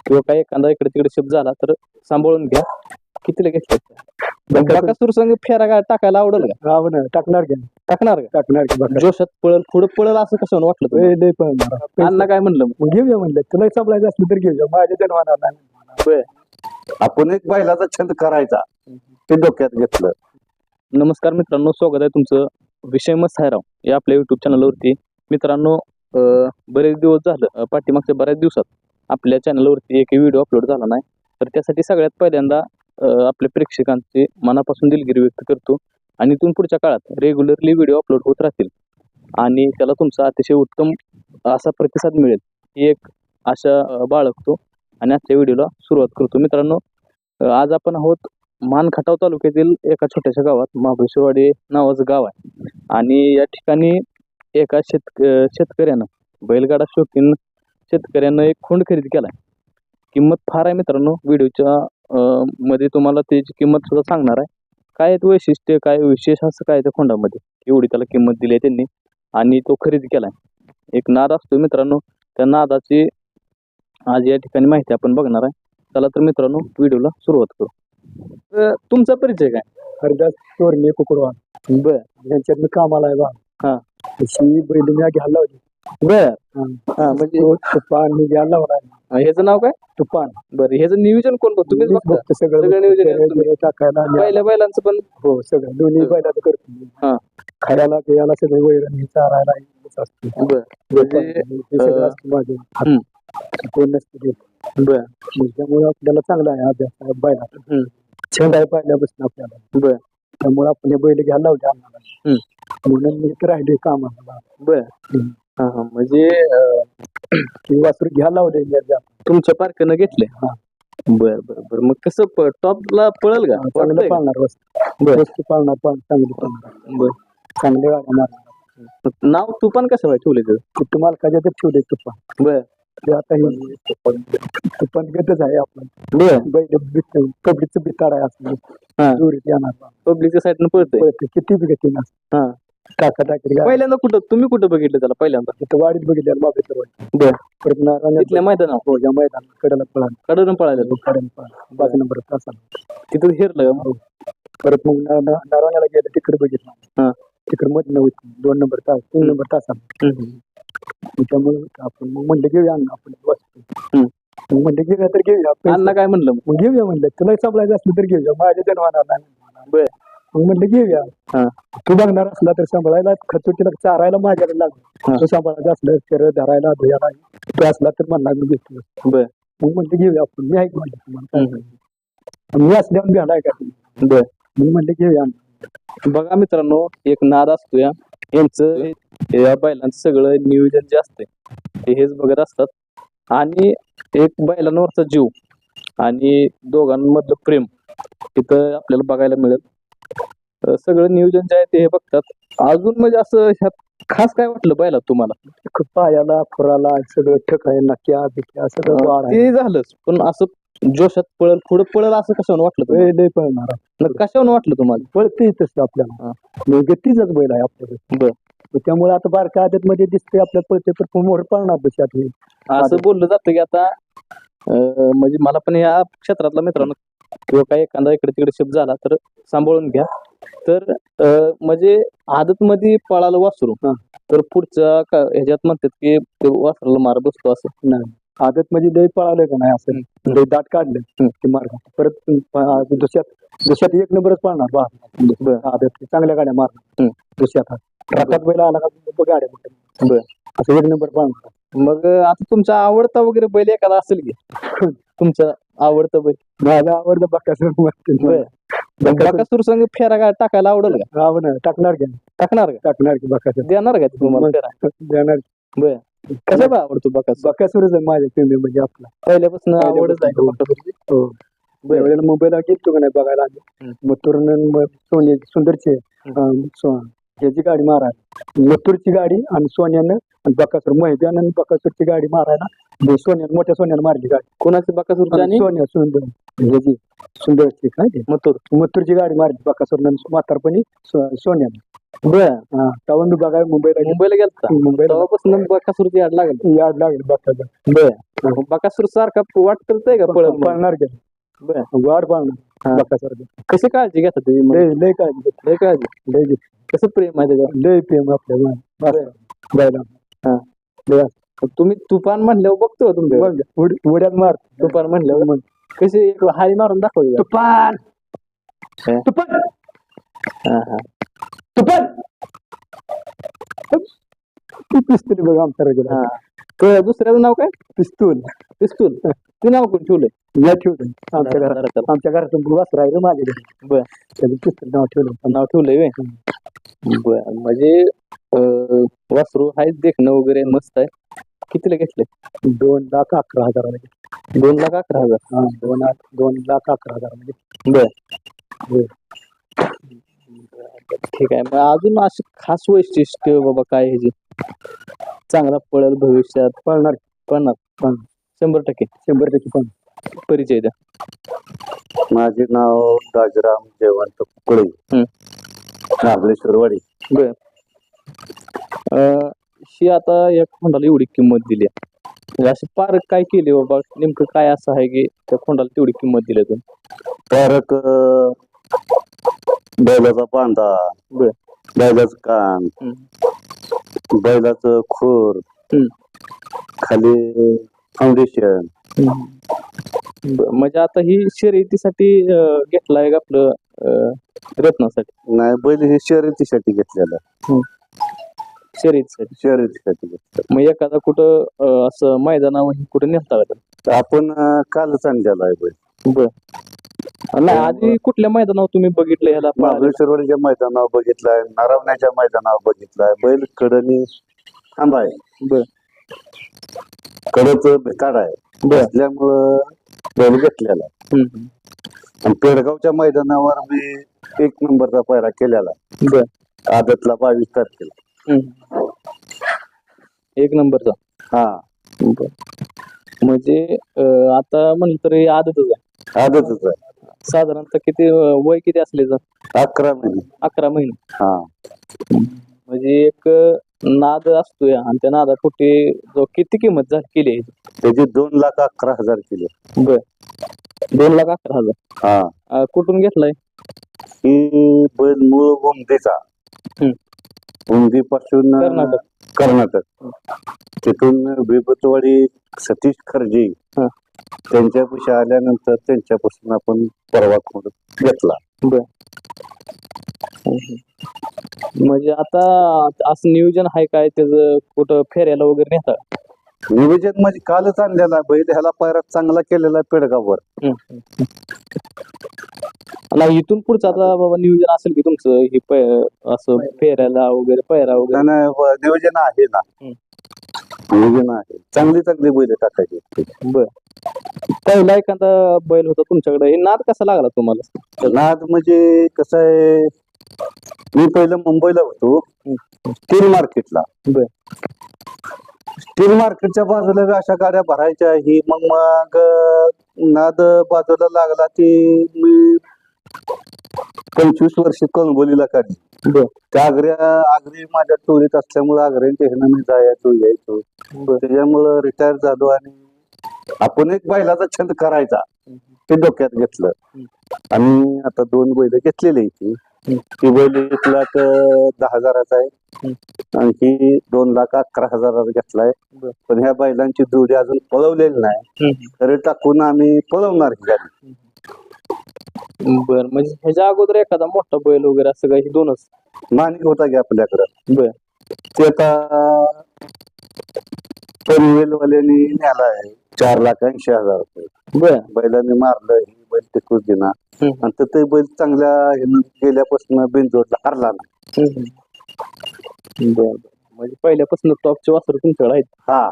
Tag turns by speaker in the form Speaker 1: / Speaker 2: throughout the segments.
Speaker 1: किंवा काही एखादा इकडे तिकडे शिफ्ट झाला तर सांभाळून घ्या. कितीला घेतलं बकासूर संघ फेरा टाकायला आवडेल का?
Speaker 2: टाकणार की
Speaker 1: टाकणार का?
Speaker 2: टाकणार की बकासूर.
Speaker 1: जोशात पळल पुढे पळल असं कसं वाटलं तुम्हाला?
Speaker 2: लय पळणार.
Speaker 1: अण्णा काय म्हणलं
Speaker 2: मग घेऊया म्हणलं, तुला सांभाळायचं असलं तर घेऊया, माझ्या जन्माला नाही.
Speaker 3: आपण एक बैलाचा छंद करायचा ते डोक्यात घेतलं.
Speaker 1: नमस्कार मित्रांनो, स्वागत आहे तुमचं विषय मस्त आहे राव या आपल्या युट्यूब चॅनलवरती. मित्रांनो, बरेच दिवस झालं, पाठीमागच्या बऱ्याच दिवसात आपल्या चॅनलवरती एक व्हिडिओ अपलोड झाला नाही. तर त्यासाठी सगळ्यात पहिल्यांदा आपल्या प्रेक्षकांची मनापासून दिलगिरी व्यक्त करतो आणि इथून पुढच्या काळात रेग्युलरली व्हिडिओ अपलोड होत राहतील आणि त्याला तुमचा अतिशय उत्तम असा प्रतिसाद मिळेल ही एक आशा बाळगतो आणि आजच्या व्हिडिओला सुरुवात करतो. मित्रांनो, आज आपण आहोत मान खटाव तालुक्यातील एका छोट्याशा गावात, महाबळेश्वरवाडी नावाचं गाव आहे आणि या ठिकाणी एका शेतकऱ्यानं, बैलगाडा शौकीन शेतकऱ्यानं एक खोंड खरेदी केलाय. किंमत फार आहे मित्रांनो. व्हिडिओच्या मध्ये तुम्हाला त्याची किंमत सुद्धा सांगणार आहे. काय वैशिष्ट्य, काय विशेष असं काय त्या खोंडामध्ये एवढी त्याला किंमत दिली आहे त्यांनी आणि तो खरेदी केलाय. एक नाद असतो मित्रांनो, त्या नादाची आज या ठिकाणी माहिती आपण बघणार आहे. चला तर मित्रांनो, व्हिडिओला सुरुवात करू. तुमचा परिचय काय?
Speaker 2: हरदास चोरणे कुकुडवान.
Speaker 1: बर.
Speaker 2: यांच्यात मी कामाला आहे बा.
Speaker 1: हा.
Speaker 2: तशी बैल मी घ्यायला लावली.
Speaker 1: बर. हा, म्हणजे
Speaker 2: तुफान मी घ्यायला लावला.
Speaker 1: ह्याचं नाव काय?
Speaker 2: तुफान.
Speaker 1: बरं, ह्याचं नियोजन कोण बघतो? तुम्हीच बघता सगळं नियोजन
Speaker 2: टाकायला
Speaker 1: पहिल्या बैलांचं पण?
Speaker 2: हो, सगळं दोन्ही बैलाचं करतो.
Speaker 1: हा.
Speaker 2: खायला प्यायला सगळं वैरण चारायला असतं.
Speaker 1: बर.
Speaker 2: सगळं असतं माझं, कोण नसते.
Speaker 1: बर.
Speaker 2: त्यामुळे आपल्याला चांगला आहे अभ्यास आहे बैलाचा, छंद आहे पहिल्यापासून आपल्याला.
Speaker 1: बर.
Speaker 2: त्यामुळे आपण बैल घ्यायला लावले आम्हाला, म्हणून मी राहिले कामाला.
Speaker 1: बर. हा, म्हणजे
Speaker 2: वासरू घ्यायला लावले
Speaker 1: तुमच्या पार्कनं घेतले. बर बर बर. मग कसं टॉपला पळल का?
Speaker 2: चांगलं पाळणार वस्तू पाळणार, चांगली पाळणार.
Speaker 1: बर.
Speaker 2: चांगले गाड्या मारणार.
Speaker 1: नाव तुफान कसं ठेवले
Speaker 2: तुझं मालकाच्या तर ठेवले तुफान.
Speaker 1: बर.
Speaker 2: ते आता तुफान गतच आहे आपण.
Speaker 1: बर.
Speaker 2: कबड्डीचं बिताड आहे असं येणार,
Speaker 1: पब्लिकच्या साईडनं पळतंय
Speaker 2: किती बी गती ना.
Speaker 1: हा.
Speaker 2: टाका टाकी
Speaker 1: पहिल्यांदा तुम्ही कुठं बघितलं त्याला? पहिल्यांदा
Speaker 2: तिथं वाडीत बघितलं बाबेश्वर.
Speaker 1: बर.
Speaker 2: परत नारायण
Speaker 1: तिथल्या मैदानावर?
Speaker 2: हो, या मैदानात कडेला पळाला.
Speaker 1: कडून पळायला
Speaker 2: कडेला पळाला 5 नंबर तासाला.
Speaker 1: तिथं हेरलं.
Speaker 2: परत मग नारायणाला गेलं, तिकडे बघितलं. तिकडे मध्ये नव्हती 2 नंबर तास 3 नंबर तासाला. त्यामुळे आपण मग म्हणलं घेऊया अण्णा, आपण बसतो. मग म्हणलं घेऊया तर घेऊया.
Speaker 1: अण्णा काय म्हणलं?
Speaker 2: मग घेऊया म्हणलं, तुला सांभाळायचं असलं तर घेऊया, माझ्या जन्माला नाही.
Speaker 1: बर.
Speaker 2: मग म्हणलं घेऊया. तू बघणार असला तर सांभाळायला, खर्च तिला चारायला माझ्याकडे लागला. तू सांभाळायचं असलं तर धरायला धुयाला तू असला तर म्हणला मी घेतो.
Speaker 1: बर.
Speaker 2: मग म्हणलं घेऊया आपण, मी ऐक म्हणलं तुम्हाला, मी असल्यावर घ्यायला का?
Speaker 1: बर.
Speaker 2: मी म्हणलं घेऊया.
Speaker 1: बघा मित्रांनो, एक नाद असतो यांचं, या बैलांचं सगळं नियोजन जे असतंय ते हेच बघत असतात आणि एक बैलांवरचा जीव आणि दोघांमधलं प्रेम तिथं आपल्याला बघायला मिळेल. सगळं नियोजन जे आहे ते हे बघतात. अजून म्हणजे असं ह्यात खास काय वाटलं बैला तुम्हाला?
Speaker 2: पायाला खुराला सगळं ठकाय, नक्या बिक्या सगळं
Speaker 1: ते झालंच, पण असं जोशात पळल पुढे पळल असं कशावर वाटलं?
Speaker 2: लय पळणार.
Speaker 1: कशावर वाटलं तुम्हाला?
Speaker 2: पळते तसं आपल्याला, गतीचाच बैल आहे आपल्याला.
Speaker 1: बर.
Speaker 2: त्यामुळे आता बारका आदत मध्ये दिसते आपल्याला, पळते तर मोर पळणार तशी.
Speaker 1: असं बोललं जातं की आता म्हणजे मला पण या क्षेत्रातला मित्रांनो किंवा काही एखादा इकडे तिकडे शिफ्ट झाला तर सांभाळून घ्या. तर म्हणजे आदत मध्ये पळाला वासरू तर पुढच्या ह्याच्यात म्हणतात की ते वासराला मार बसतो असं नाही.
Speaker 2: आदत मध्ये लय पळालं का नाही, असं लय दाट काढलं ते मार्ग. परत दुसऱ्यात 1 नंबरच पळणार बा. आदत चांगल्या गाड्या मारणार. दुसऱ्यात रातात बैल आला का गाड्या मोठ्या, असं 1 नंबर पळणार.
Speaker 1: मग आता तुमचा आवडता वगैरे बैल एखादा असेल की? तुमचा आवडता बैल?
Speaker 2: माझा आवडता बकासूर.
Speaker 1: बकासूर संघ फेरा टाकायला आवडेल का?
Speaker 2: टाकणार की.
Speaker 1: टाकणार का?
Speaker 2: टाकणार की बकासूर.
Speaker 1: देणार का तुम्हाला?
Speaker 2: देणार.
Speaker 1: बर. कसा बा आवडतो बकासूर?
Speaker 2: बकासूरच आहे माझ्या प्रेमी, म्हणजे आपला
Speaker 1: पहिल्यापासून आवडच आहे बकासूरची.
Speaker 2: हो. मुंबईला गेलो का नाही बघायला आम्ही, मग तरुण सोने सुंदरचे ह्याची गाडी मारायला मथुरची गाडी आणि सोन्यानं आणि बकासूर महिब्यानं आणि बकासूरची गाडी मारायला सोन्यानं मोठ्या सोन्यानं मारली गाडी
Speaker 1: कोणाची बकासूरची आणि
Speaker 2: सोन्या सुंदर ह्याची सुंदरची काय ते मथुरची गाडी मारली बकासूरनं म्हातारपणी सोन्यानं
Speaker 1: बर
Speaker 2: तवंदू बघाय
Speaker 1: मुंबईला गेलता
Speaker 2: मुंबईला
Speaker 1: तेव्हापासून बकासूरची याड लागली
Speaker 2: याड लागली बकासूर
Speaker 1: बर बकासूर सारखा वाट करतोय का पळत
Speaker 2: पळणार गेलं
Speaker 1: बर
Speaker 2: वाढ पाळणार बकासूर
Speaker 1: कशी काळजी घेता तुम्ही मग?
Speaker 2: लय काळजी घेतली,
Speaker 1: लय काळजी
Speaker 2: लय घेतली.
Speaker 1: कसं प्रेम आहे त्याच्यावर
Speaker 2: लय प्रेम आपल्या गायला
Speaker 1: तुम्ही तुफान म्हणल्यावर बघतो तुमच्या
Speaker 2: मग उड्यात मार
Speaker 1: तुफान म्हणल्यावर
Speaker 2: मग
Speaker 1: कशी एक हाय मारून दाखवली का?
Speaker 2: तुफान तुफान
Speaker 1: हा, हा.
Speaker 2: तुफान पिस्तूल बघ आमच्या रगेला
Speaker 1: हा. तर दुसऱ्याचं नाव काय
Speaker 2: पिस्तूल
Speaker 1: पिस्तूल ते नाव कोण ठेवलंय
Speaker 2: या ठेवलं आमच्या घरातून वासर आहे रे माझ्या घरी
Speaker 1: बर
Speaker 2: त्याचं पिस्तूल नाव ठेवलं
Speaker 1: नाव ठेवलंय व्हय? बर म्हणजे वासरू हाय देखणं वगैरे मस्त आहे कितीला घेतलंय
Speaker 2: 2,11,000
Speaker 1: 2,11,000
Speaker 2: हा 2,11,000 मध्ये
Speaker 1: बर ठीक आहे मग अजून अशी खास वैशिष्ट्य बाबा काय ह्याची चांगला पळेल भविष्यात
Speaker 2: पळणार
Speaker 1: पळणार 100%
Speaker 2: पण
Speaker 1: परिचय द्या
Speaker 3: माझे नाव गाजराम जयवंत कुळे महाबळेश्वरवाडी
Speaker 1: बर ही आता या खोंडाला एवढी किंमत दिली आहे. म्हणजे अशी पारख काय केली बाबा नेमकं काय असं आहे की त्या खोंडाला तेवढी किंमत दिली तुम्ही
Speaker 3: पारक बैलाचा पांढा
Speaker 1: बर
Speaker 3: बैलाचं कान बैलाचं खोर खाली फाउंडेशन
Speaker 1: म्हणजे आता ही शर्यतीसाठी घेतलाय का आपलं रत्नासाठी
Speaker 3: नाही बैल हे शर्यतीसाठी घेतलेला
Speaker 1: शर्यतीसाठी
Speaker 3: शर्यतीसाठी घेतलेला
Speaker 1: मग एखादा कुठं असं मैदानावर कुठं नेता का
Speaker 3: आपण कालच आणलेला आहे बैल
Speaker 1: बर नाही आधी कुठल्या मैदानावर तुम्ही बघितलं ह्याला
Speaker 3: महाबळेश्वरवाडीच्या मैदानावर बघितलाय नारावण्याच्या मैदानावर बघितलाय बैल कडनी थांबा आहे
Speaker 1: बर
Speaker 3: कडच भेटाड आहे असल्यामुळं बैल घेतलेला आहे. आणि पेडगावच्या मैदानावर मी 1 नंबरचा पायरा केलेला
Speaker 1: बर
Speaker 3: आदतला 22 तारखेला
Speaker 1: 1 नंबरचा
Speaker 3: हा
Speaker 1: बर म्हणजे आता म्हणलं तरी आदतच आहे
Speaker 3: आदतच आहे
Speaker 1: साधारणतः किती वय किती असले
Speaker 3: 11 महिने
Speaker 1: 11 महिने
Speaker 3: हा
Speaker 1: म्हणजे एक नाद असतोय आणि त्या नादापोटी जो किती किंमत केली आहे
Speaker 3: त्याची 2,11,000 केली
Speaker 1: बर 2,11,000
Speaker 3: हा
Speaker 1: कुठून घेतलाय
Speaker 3: ही बैल मूळ उमदीचा उमदी पासून कर्नाटक तिथून बिबतवाडी सतीश खर्जे त्यांच्यापाशी आल्यानंतर त्यांच्यापासून आपण परवा खोड घेतला
Speaker 1: बर म्हणजे आता असं नियोजन आहे काय त्याचं कुठं फेऱ्याला वगैरे नेता
Speaker 3: नियोजन म्हणजे कालच आणलेला बैल ह्याला पायरा चांगला केलेला पेडगाववर
Speaker 1: नाही इथून पुढचं आता बाबा नियोजन असेल की तुमचं हे असं फेऱ्याला वगैरे पैरा वगैरे
Speaker 3: नियोजन आहे ना नियोजन आहे चांगली चांगली बैल टाकायची
Speaker 1: बर पहिला एखादा बैल होता तुमच्याकडे हे नाद कसा लागला तुम्हाला
Speaker 3: नाद म्हणजे कसं आहे मी पहिलं मुंबईला होतो स्टील मार्केटला
Speaker 1: बर
Speaker 3: स्टील मार्केटच्या बाजूला अशा गाड्या भरायच्या ही मग नाद बाजूला लागला की मी 25 वर्ष कणबोलीला काढली
Speaker 1: बर
Speaker 3: त्या आगरी माझ्या टोळीत असल्यामुळे आग्र्यांच्या ह्यानं मी जायचो यायचो त्याच्यामुळं रिटायर झालो आणि आपण एक बैलाचा छंद करायचा ते डोक्यात घेतलं आणि आता 2 बैल घेतलेली ती बैल 1,10,000 आहे आणि ही 2,11,000 घेतलाय पण ह्या बैलांची जोडी अजून पळवलेली नाही खरे टाकून आम्ही पळवणार ही गाडी
Speaker 1: बर म्हणजे ह्याच्या अगोदर एखादा मोठा बैल वगैरे असं काही 2च
Speaker 3: माणिक होता की आपल्याकडं
Speaker 1: बर
Speaker 3: ते आता पनवेलवाल्यांनी न्याला आहे 4,80,000 रुपये
Speaker 1: बर
Speaker 3: बैलांनी मारलं ही बैल टिकूच देणार आणि तर ते बैल चांगल्या ह्यानं गेल्यापासून बिनजोडला हरला नाही
Speaker 1: बर म्हणजे पहिल्यापासून टॉपचे वासर तुमच्याकडे आहेत
Speaker 3: हा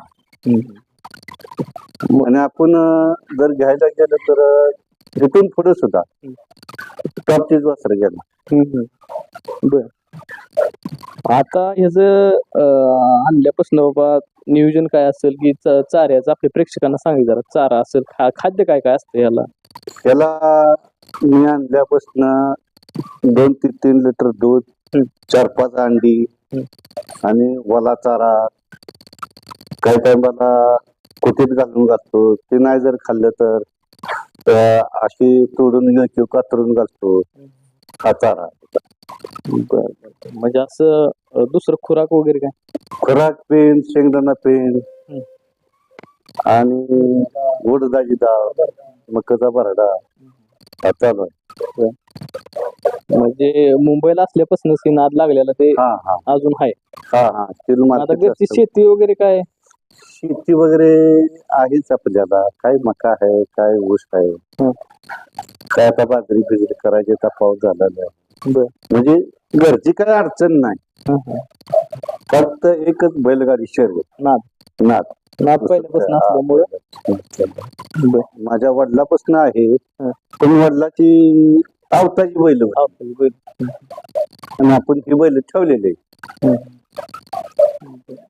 Speaker 3: आणि आपण जर घ्यायला गेलं तर इथून पुढे सुद्धा टॉपचीच वासर गेला
Speaker 1: बर आता ह्याच आणल्यापासून बाबा नियोजन काय असेल की चाऱ्याचं आपल्या प्रेक्षकांना सांगितलं जरा चारा असेल खाद्य काय काय असतं याला.
Speaker 3: त्याला मी आणल्यापासून 2 ते 3 लिटर दूध, 4-5 अंडी आणि वला चारा, काही टायमाला कुटीत घालून घालतो. ते नाही जर खाल्लं तर अशी तोडून किंवा कातरून घालतो हा चारा.
Speaker 1: म्हणजे असं दुसरं खुराक वगैरे काय.
Speaker 3: खुराक पेन, शेंगदाणा पेन आणि उडदाची डाळ, मकाचा भरडा हा चालू आहे.
Speaker 1: म्हणजे मुंबईला असल्यापासूनच की नाद लागलेला ते
Speaker 3: हा हा
Speaker 1: अजून आहे.
Speaker 3: हा हा स्टील
Speaker 1: आता
Speaker 3: मार्केट
Speaker 1: घरची शेती वगैरे काय.
Speaker 3: शेती वगैरे आहेच आपल्याला. काय मका आहे, काय ऊस आहे, काय आता बाजरी बिजरी करायची आता पाऊस झालेला आहे. म्हणजे घरची काय अडचण नाही. फक्त एकच बैलगाडी शर्यत नाद
Speaker 1: पहिल्यापासून असल्यामुळे
Speaker 3: माझ्या वडिलापासून आहे. पण वडिलाची आवताची बैल होती. आणि आपण ही बैल ठेवलेली.